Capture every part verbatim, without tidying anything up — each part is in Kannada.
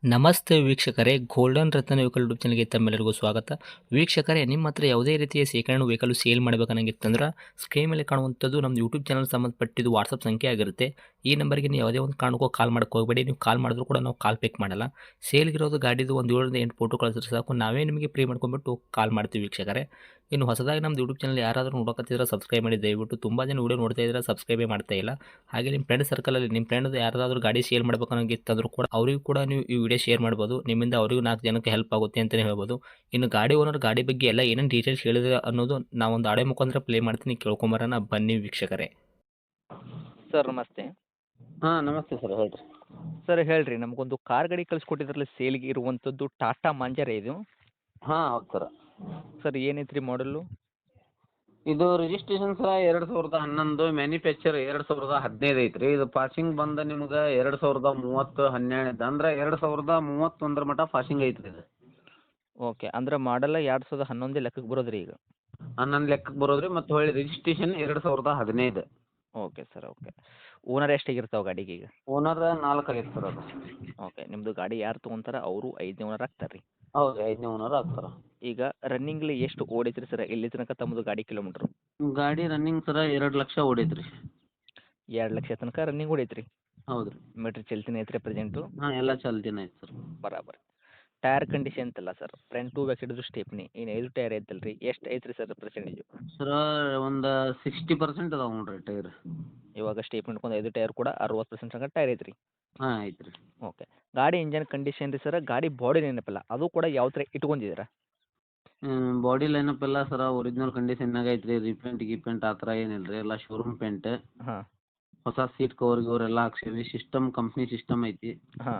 ನಮಸ್ತೆ ವೀಕ್ಷಕರೇ, ಗೋಲ್ಡನ್ ರತ್ನ ವೆಹಿಕಲ್ ಯೂಟ್ಯೂಬ್ ಚಾನಲ್ಗೆ ತಮ್ಮೆಲ್ಲರಿಗೂ ಸ್ವಾಗತ. ವೀಕ್ಷಕರೇ, ನಿಮ್ಮ ಹತ್ರ ಯಾವುದೇ ರೀತಿಯ ಶೇಖರಣೆ ವೆಹಿಕಲ್ ಸೇಲ್ ಮಾಡಬೇಕನ್ನಂಗಿತ್ತಂದ್ರೆ ಸ್ಕ್ರೀನ್ ಮೇಲೆ ಕಾಣುವಂಥದ್ದು ನಮ್ಮ ಯೂಟ್ಯೂಬ್ ಚಾನಲ್ ಸಂಬಂಧಪಟ್ಟಿದ್ದು ವಾಟ್ಸಪ್ ಸಂಖ್ಯೆ ಆಗಿರುತ್ತೆ. ಈ ನಂಬರ್ಗೆ ನೀವು ಯಾವುದೇ ಒಂದು ಕಾರಣಕ್ಕೂ ಕಾಲ್ ಮಾಡಕ್ಕೆ ಹೋಗಬೇಡಿ. ನೀವು ಕಾಲ್ ಮಾಡಿದ್ರು ಕೂಡ ನಾವು ಕಾಲ್ ಪಿಕ್ ಮಾಡಲ್ಲ. ಸೇಲ್ಗಿರೋದು ಗಾಡಿದು ಒಂದು ಏಳರಿಂದ ಎಂಟು ಫೋಟೋ ಕಳಿಸಿದ್ರೆ ಸಾಕು, ನಾವೇ ನಿಮಗೆ ಪ್ರೀ ಮಾಡ್ಕೊಂಡ್ಬಿಟ್ಟು ಕಾಲ್ ಮಾಡ್ತೀವಿ ವೀಕ್ಷಕರೇ. ಇನ್ನು ಹೊಸದಾಗಿ ನಮ್ಮದು ಯೂಟ್ಯೂಬ್ ಚಾನಲ್ ಯಾರಾದರೂ ನೋಡೋಕತ್ತಿದ್ರೆ ಸಬ್ಸ್ಕ್ರೈಬ್ ಮಾಡಿ ದಯವಿಟ್ಟು. ತುಂಬ ಜನ ವೀಡಿಯೋ ನೋಡ್ತಾ ಇದ್ದಾರೆ, ಸಬ್ಸ್ಕ್ರೈಬೇ ಮಾಡ್ತಾ ಇಲ್ಲ. ಹಾಗೆ ನಿಮ್ಮ ಫ್ರೆಂಡ್ ಸರ್ಕಲಲ್ಲಿ ನಿಮ್ಮ ಫ್ರೆಂಡ್ ಯಾರಾದರೂ ಗಾಡಿ ಸೇಲ್ ಮಾಡ್ಬೇಕನ್ನೋಂಗಿತ್ತಂದ್ರೂ ಕೂಡ ಅವರಿಗೂ ಕೂಡ ನೀವು ಈ ವಿಡಿಯೋ ಶೇರ್ ಮಾಡ್ಬೋದು. ನಿಮ್ಮಿಂದ ಅವರಿಗೂ ನಾಲ್ಕು ಜನಕ್ಕೆ ಹೆಲ್ಪ್ ಆಗುತ್ತೆ ಅಂತಲೇ ಹೇಳ್ಬೋದು. ಇನ್ನು ಗಾಡಿ ಓನರ್ ಗಾಡಿ ಬಗ್ಗೆ ಎಲ್ಲ ಏನೇನು ಡೀಟೇಲ್ಸ್ ಹೇಳಿದ್ರೆ ಅನ್ನೋದು ನಾವೊಂದು ಆಡೆ ಮುಖಾಂತರ ಪ್ಲೇ ಮಾಡ್ತೀನಿ, ಕೇಳ್ಕೊಂಬರೋಣ ಬನ್ನಿ ವೀಕ್ಷಕರೇ. ಸರ್ ನಮಸ್ತೆ. ಹಾಂ ನಮಸ್ತೆ ಸರ್, ಹೇಳ್ರಿ. ಸರ್ ಹೇಳ್ರಿ, ನಮಗೊಂದು ಕಾರ್ ಗಾಡಿ ಕಳಿಸ್ಕೊಟ್ಟಿದ್ರಲ್ಲ ಸೇಲ್ಗೆ ಇರುವಂಥದ್ದು ಟಾಟಾ ಮಾಂಜರ ಇದು. ಹಾಂ ಹೌದು ಸರ್. ಸರ್ ಏನೈತ್ರಿ ಮಾಡಲು? ಇದು ರಿಜಿಸ್ಟ್ರೇಷನ್ ಸಹ ಎರಡು ಸಾವಿರದ ಹನ್ನೊಂದು, ಮ್ಯಾನುಫ್ಯಾಕ್ಚರ್ ಎರಡು ಸಾವಿರದ ಹದಿನೈದು ಐತ್ರಿ. ಇದು ಪಾಸಿಂಗ್ ಬಂದ ನಿಮ್ಗೆ ಎರಡು ಸಾವಿರದ ಮೂವತ್ತು ಹನ್ನೆರಡು ಅಂದ್ರೆ ಎರಡು ಸಾವಿರದ ಮೂವತ್ತೊಂದರ ಮಟ್ಟ ಪಾಸಿಂಗ್ ಐತ್ರಿ ಇದು. ಓಕೆ, ಅಂದ್ರೆ ಮಾಡಲ್ಲ ಎರಡು ಸಾವಿರದ ಹನ್ನೊಂದೇ ಲೆಕ್ಕಕ್ಕೆ ಬರೋದ್ರಿ ಈಗ? ಹನ್ನೊಂದು ಲೆಕ್ಕಕ್ಕೆ ಬರೋದ್ರಿ. ಮತ್ತು ಹೊಳ್ಳಿ ರಿಜಿಸ್ಟ್ರೇಷನ್ ಎರಡು ಸಾವಿರದ ಹದಿನೈದು. Okay sir, okay. ಓನರ್ ಎಷ್ಟಾಗಿರ್ತಾವೆ ಗಾಡಿಗೆ ಈಗ? ಓನರ್ ನಾಲ್ಕು ಆಗೈತೆ ಸರ್ ಅದು. ಓಕೆ, ನಿಮ್ಮದು ಗಾಡಿ ಯಾರು ತೊಗೊಂತಾರೆ ಅವರು ಐದನೇ ಓನರ್ ಆಗ್ತಾರೆ ರೀ? ಹೌದು, ಐದನೇ ಓನರ್ ಆಗ್ತಾರೆ. ಈಗ ರನ್ನಿಂಗ್ಲಿ ಎಷ್ಟು ಓಡೈತ್ರಿ ಸರ್ ಇಲ್ಲಿ ತನಕ ತಮ್ಮದು ಗಾಡಿ ಕಿಲೋಮೀಟ್ರು? ಗಾಡಿ ರನ್ನಿಂಗ್ ಸರ ಎರಡು ಲಕ್ಷ ಓಡೈತ್ರಿ. ಎರಡು ಲಕ್ಷ ತನಕ ರನ್ನಿಂಗ್ ಓಡೈತ್ರಿ? ಹೌದು ರೀ. ಮೀಟ್ರ್ ಚಲ್ತಿನ ಐತ್ರಿ ಪ್ರೆಸೆಂಟು? ಹಾಂ ಎಲ್ಲ ಚಾಲ್ತಿನ ಐತೆ ಸರ್. ಬರಾಬರ್. ಟೈರ್ ಕಂಡೀಷನ್ ಅಂತಲ್ಲ ಸರ್, ಫ್ರಂಟು ಬ್ಯಾಕ್ ಸೈಡ್ದು ಸ್ಟೇಪ್ನಿ ಇನ್ನು ಐದು ಟೈರ್ ಐತಲ್ಲ ರೀ, ಎಷ್ಟು ಐತ್ರಿ ಸರ್ ಪರ್ಸೆಂಟೇಜು? ಸರ ಒಂದು ಸಿಕ್ಸ್ಟಿ ಪರ್ಸೆಂಟ್ ಅದಾವೆ ನೋಡ್ರಿ ಟೈರ್. ಇವಾಗ ಸ್ಟೇಪ್ ಹಿಡ್ಕೊಂಡು ಐದು ಟೈರ್ ಕೂಡ ಅರವತ್ತು ಪರ್ಸೆಂಟ್ ತನಕ ಟೈರ್ ಐತ್ರಿ? ಹಾಂ ಐತೆ ರೀ. ಓಕೆ. ಗಾಡಿ ಇಂಜನ್ ಕಂಡೀಷನ್ ರೀ ಸರ್, ಗಾಡಿ ಬಾಡಿ ನೆನಪಿಲ್ಲ ಅದು ಕೂಡ ಯಾವ ಥರ ಇಟ್ಕೊಂಡಿದ್ದೀರಾ? ಬಾಡಿ ಲೈನಪ್ ಎಲ್ಲ ಸರ ಒರಿಜಿನಲ್ ಕಂಡೀಷನ್ನಾಗ ಐತ್ರಿ. ರೀಪೇಂಟ್ ಗೀಪೇಂಟ್ ಆ ಥರ ಏನಿಲ್ಲ ರೀ, ಎಲ್ಲ ಶೋರೂಮ್ ಪೇಂಟ್. ಹಾಂ ಹೊಸ ಸೀಟ್ ಕವರ್ ಗಿವರ್ ಎಲ್ಲ ಹಾಕ್ಸೀವಿ. ಸಿಸ್ಟಮ್ ಕಂಪ್ನಿ ಸಿಸ್ಟಮ್ ಐತಿ. ಹಾಂ.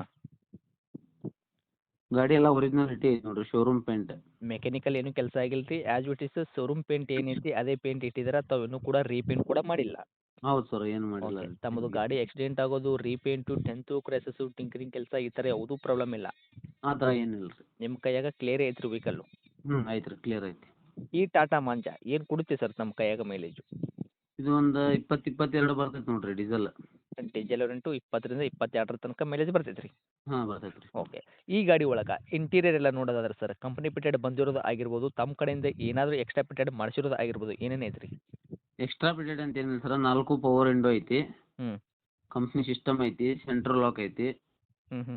ಗಾಡಿ ಎಲ್ಲ ಒರಿಜಿನಾಲಿಟಿ ಐತಿ ನೋಡ್ರಿ, ಶೋರೂಮ್ ಪೇಂಟ್. ಮೆಕ್ಯಾನಿಕಲ್ ಏನು ಕೆಲಸ ಆಗಿಲ್ಲ ರೀ, as it is showroom paint ಏನೈತಿ ಅದೇ ಪೇಂಟ್ ಇಟ್ಟಿದ್ದೀರಾ, ತಾವು ಇನ್ನೂ ಕೂಡ ರೀಪೇಂಟ್ ಕೂಡ ಮಾಡಿಲ್ಲ? ಹೌದು ಸರ್, ಏನು ಮಾಡಿಲ್ಲ. ಓಕೆ. ತಮ್ಮದು ಗಾಡಿ ಆಕ್ಸಿಡೆಂಟ್ ಆಗೋದು, ರೀಪೇಂಟು, ಡೆಂತು, ಕ್ರ್ಯಾಸಸ್ಸು, ಟಿಂಕರಿಂಗ್ ಕೆಲಸ ಈ ಥರ ಯಾವುದೂ ಪ್ರಾಬ್ಲಮ್ ಇಲ್ಲ? ಆ ಥರ ಏನಿಲ್ಲ ರೀ. ನಿಮ್ಮ ಕೈಯಾಗ ಕ್ಲಿಯರ್ ಐತ್ರಿ ವೆಹಿಕಲ್ಲು? ಹ್ಞೂ ಐತೆ ರೀ, ಕ್ಲಿಯರ್ ಐತಿ. ಈ ಟಾಟಾ ಮಾಂಜ ಏನು ಕೊಡುತ್ತೆ ಸರ್ ನಮ್ಮ ಕೈಯಾಗ ಮೈಲೇಜು? ಇದು ಒಂದು ಇಪ್ಪತ್ತು ಇಪ್ಪತ್ತೆರಡು ಬರ್ತೈತೆ ನೋಡ್ರಿ ಡೀಸೆಲ್. ಡೀಸೆಲ್ ರೆಂಟು ಇಪ್ಪತ್ತರಿಂದ ಇಪ್ಪತ್ತೆರಡರ ತನಕ ಮೈಲೇಜ್ ಬರ್ತೈತೆ ರೀ? ಹಾಂ ಬರ್ತೈತೆ ರೀ. ಓಕೆ. ಈ ಗಾಡಿ ಒಳಗೆ ಇಂಟೀರಿಯರ್ ಎಲ್ಲ ನೋಡೋದಾದ್ರೆ ಸರ್, ಕಂಪನಿ ಪಿಟೆಡ್ ಬಂದಿರೋದು ಆಗಿರ್ಬೋದು, ತಮ್ಮ ಕಡೆಯಿಂದ ಏನಾದರೂ ಎಕ್ಸ್ಟ್ರಾ ಪಿಟೆಡ್ ಮಾಡಿಸಿರೋದು ಆಗಿರ್ಬೋದು, ಏನೇನು ಐತ್ರಿ? ಎಕ್ಸ್ಟ್ರಾ ಬಿಡೆಡ್ ಅಂತ ಏನಿಲ್ಲ ಸರ, ನಾಲ್ಕು ಪವರ್ ವಿಂಡೋ ಐತಿ. ಹ್ಞೂ ಕಂಪ್ನಿ ಸಿಸ್ಟಮ್ ಐತಿ, ಸೆಂಟ್ರಲ್ ಲಾಕ್ ಐತಿ, ಹ್ಞೂ ಹ್ಞೂ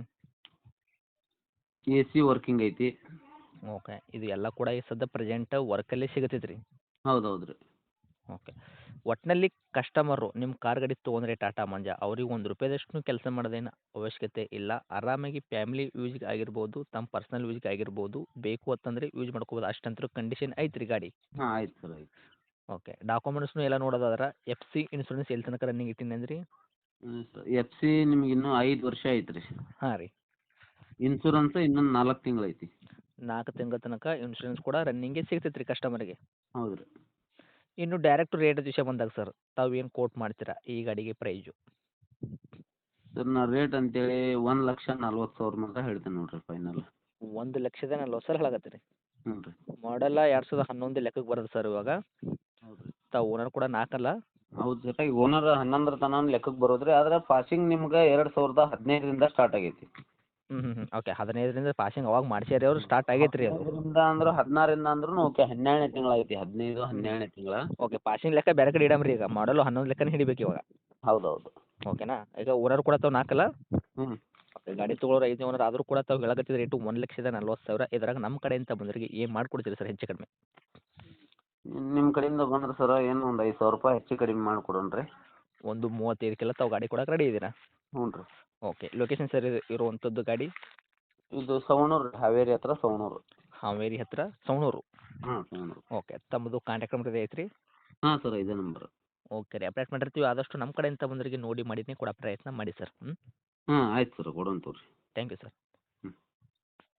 ಎ ಸಿ ವರ್ಕಿಂಗ್ ಐತಿ. ಓಕೆ. ಇದು ಎಲ್ಲ ಕೂಡ ಈ ಸದ್ಯ ಪ್ರೆಸೆಂಟ್ ವರ್ಕಲ್ಲೇ ಸಿಗತೈತೆ ರೀ? ಹೌದು ಹೌದು ರೀ. ಓಕೆ. ಒಟ್ಟಿನಲ್ಲಿ ಕಸ್ಟಮರು ನಿಮ್ಮ ಕಾರ್ ಗಾಡಿ ತೊಗೊಂಡ್ರೆ ಟಾಟಾ ಮಂಜ ಅವ್ರಿಗೆ ಒಂದು ರೂಪಾಯಿದಷ್ಟು ಕೆಲಸ ಮಾಡೋದೇನು ಅವಶ್ಯಕತೆ ಇಲ್ಲ. ಆರಾಮಾಗಿ ಫ್ಯಾಮಿಲಿ ಯೂಸ್ಗೆ ಆಗಿರ್ಬೋದು, ತಮ್ಮ ಪರ್ಸ್ನಲ್ ಯೂಸ್ಗೆ ಆಗಿರ್ಬೋದು, ಬೇಕು ಅಂತಂದರೆ ಯೂಸ್ ಮಾಡ್ಕೋಬೋದು. ಅಷ್ಟಂತೂ ಕಂಡೀಷನ್ ಐತೆ ರೀ ಗಾಡಿ? ಹಾಂ ಆಯ್ತು ಸರ್, ಆಯ್ತು. ಓಕೆ. ಡಾಕ್ಯುಮೆಂಟ್ಸ್ನು ಎಲ್ಲ ನೋಡೋದಾದ್ರೆ ಎಫ್ ಸಿ ಇನ್ಶೂರೆನ್ಸ್ ಎಲ್ಲಿ ತನಕ ರನ್ನಿಂಗ್ ಇಟ್ಟಿನಿ ಅಂದ್ರಿ? ಹ್ಞೂ ಸರ್, ಎಫ್ ಸಿ ನಿಮ್ಗೆ ಇನ್ನೂ ಐದು ವರ್ಷ ಐತೆ ರೀ. ಹಾಂ ರೀ. ಇನ್ಶೂರೆನ್ಸ್ ಇನ್ನೊಂದು ನಾಲ್ಕು ತಿಂಗಳು ಐತಿ. ನಾಲ್ಕು ತಿಂಗಳ ತನಕ ಇನ್ಶೂರೆನ್ಸ್ ಕೂಡ ರನ್ನಿಂಗೇ ಸಿಗ್ತೈತೆ ರೀ ಕಸ್ಟಮರ್ಗೆ? ಹೌದು ರೀ. ಇನ್ನು ಡೈರೆಕ್ಟ್ ರೇಟ್ ವಿಷಯ ಬಂದಾಗ ಸರ್, ತಾವು ಏನು ಕೋಟ್ ಮಾಡ್ತೀರಾ ಈ ಗಾಡಿಗೆ ಪ್ರೈಜು? ಸರ್ ನಾ ರೇಟ್ ಅಂತೇಳಿ ಒಂದು ಲಕ್ಷ ನಲ್ವತ್ತು ಸಾವಿರ ಮಾತ್ರ ಹೇಳ್ತೇನೆ ನೋಡಿರಿ ಫೈನಲ್. ಒಂದು ಲಕ್ಷದ ನಲ್ವತ್ತು ಸಾವಿರ ಹೇಳಕತ್ತೀರಿ? ಹ್ಞೂ ರೀ. ಮಾಡಲ್ಲ ಎರಡು ಸಾವಿರದ ಹನ್ನೊಂದು ಲೆಕ್ಕಕ್ಕೆ ಬರೋದು ಸರ್ ಇವಾಗ? ಹೌದು ರೀ. ತಾವು ಓನರ್ ಕೂಡ ನಾಲ್ಕಲ್ಲ? ಹೌದು ಸರ್, ಈಗ ಓನರ್ ಹನ್ನೊಂದರ ತನಕ ಲೆಕ್ಕಕ್ಕೆ ಬರೋದು ರೀ. ಆದ್ರೆ ಪಾಸಿಂಗ್ ನಿಮ್ಗೆ ಎರಡು ಸಾವಿರದ ಹದಿನೈದರಿಂದ ಸ್ಟಾರ್ಟ್ ಆಗೈತಿ. ಹ್ಞೂ ಹ್ಞೂ ಹ್ಞೂ ಓಕೆ. ಹದಿನೈದರಿಂದ ಪಾಸಿಂಗ್ ಅವಾಗ ಮಾಡ್ಸ್ಯಾರಿ ಅವರು, ಸ್ಟಾರ್ಟ್ ಆಗೈತೆ ರೀ ಅದು? ಹದಿನೈದರಿಂದ ಅಂದ್ರೆ ಹದಿನಾರರಿಂದ ಅಂದ್ರೂ ಓಕೆ, ಹನ್ನೆರಡನೇ ತಿಂಗಳು ಐತಿ, ಹದಿನೈದು ಹನ್ನೆರಡನೇ ತಿಂಗಳ. ಓಕೆ. ಪಾಸಿಂಗ್ ಲೆಕ್ಕ ಬೇರೆ ಕಡೆ ಇಡಮ್ರಿ, ಈಗ ಮಾಡಲು ಹನ್ನೊಂದು ಲೆಕ್ಕನೇ ಹಿಡಿಬೇಕು ಇವಾಗ? ಹೌದು ಹೌದು. ಓಕೆನಾ? ಈಗ ಓನರ್ ಕೂಡ ತಾವು ನಾಲ್ಕಲ್ಲ? ಹ್ಞೂ. ಓಕೆ. ಗಾಡಿ ತೊಗೊಳೋರು ಐದನೇ ಓನರ್ ಆದರೂ ಕೂಡ ತಾವು ಹೇಳಕತ್ತಿದ ರೇಟು ಒಂದು ಲಕ್ಷದ ನಲ್ವತ್ತು ಸಾವಿರ. ಇದ್ರಾಗ ನಮ್ಮ ಕಡೆಯಿಂದ ಬಂದವರಿಗೆ ಏನು ಮಾಡಿಕೊಡ್ತೀರಿ ಸರ್ ಹೆಚ್ಚು ಕಡಿಮೆ? ನಿಮ್ಮ ಕಡೆಯಿಂದ ಬಂದ್ರೆ ಸರ ಏನು ಒಂದು ಐದು ಸಾವಿರ ರೂಪಾಯಿ ಹೆಚ್ಚು ಕಡಿಮೆ ಮಾಡಿಕೊಡೋಣ ರೀ. ಒಂದು ಮೂವತ್ತೈದಕ್ಕೆಲ್ಲ ತಾವು ಗಾಡಿ ಕೊಡಕ್ಕೆ ರೆಡಿ ಇದ್ದೀರಾ? ಹ್ಞೂ ರೀ. ಓಕೆ. ಲೊಕೇಶನ್ ಸರ್ ಇರುವಂಥದ್ದು ಗಾಡಿ? ಇದು ಸವಣೂರು, ಹಾವೇರಿ ಹತ್ರ ಸವಣೂರು. ಹಾವೇರಿ ಹತ್ತಿರ ಸವಣೂರು? ಹಾಂ ಸವಣೂರು. ಓಕೆ. ತಮ್ಮದು ಕಾಂಟ್ಯಾಕ್ಟ್ ನಂಬರ್ ಐತ್ರಿ? ಹಾಂ ಸರ್, ಇದೇ ನಂಬರ್. ಓಕೆ ರೀ. ಅಪ್ಡೇಟ್ ಮಾಡಿರ್ತೀವಿ, ಆದಷ್ಟು ನಮ್ಮ ಕಡೆಯಿಂದ ಬಂದವರಿಗೆ ನೋಡಿ ಮಾಡಿನೇ ಕೊಡೋ ಪ್ರಯತ್ನ ಮಾಡಿ ಸರ್. ಹ್ಞೂ ಹಾಂ ಆಯ್ತು ಸರ್, ಕೊಡೋಣ ತಗೋರಿ. Thank you sir.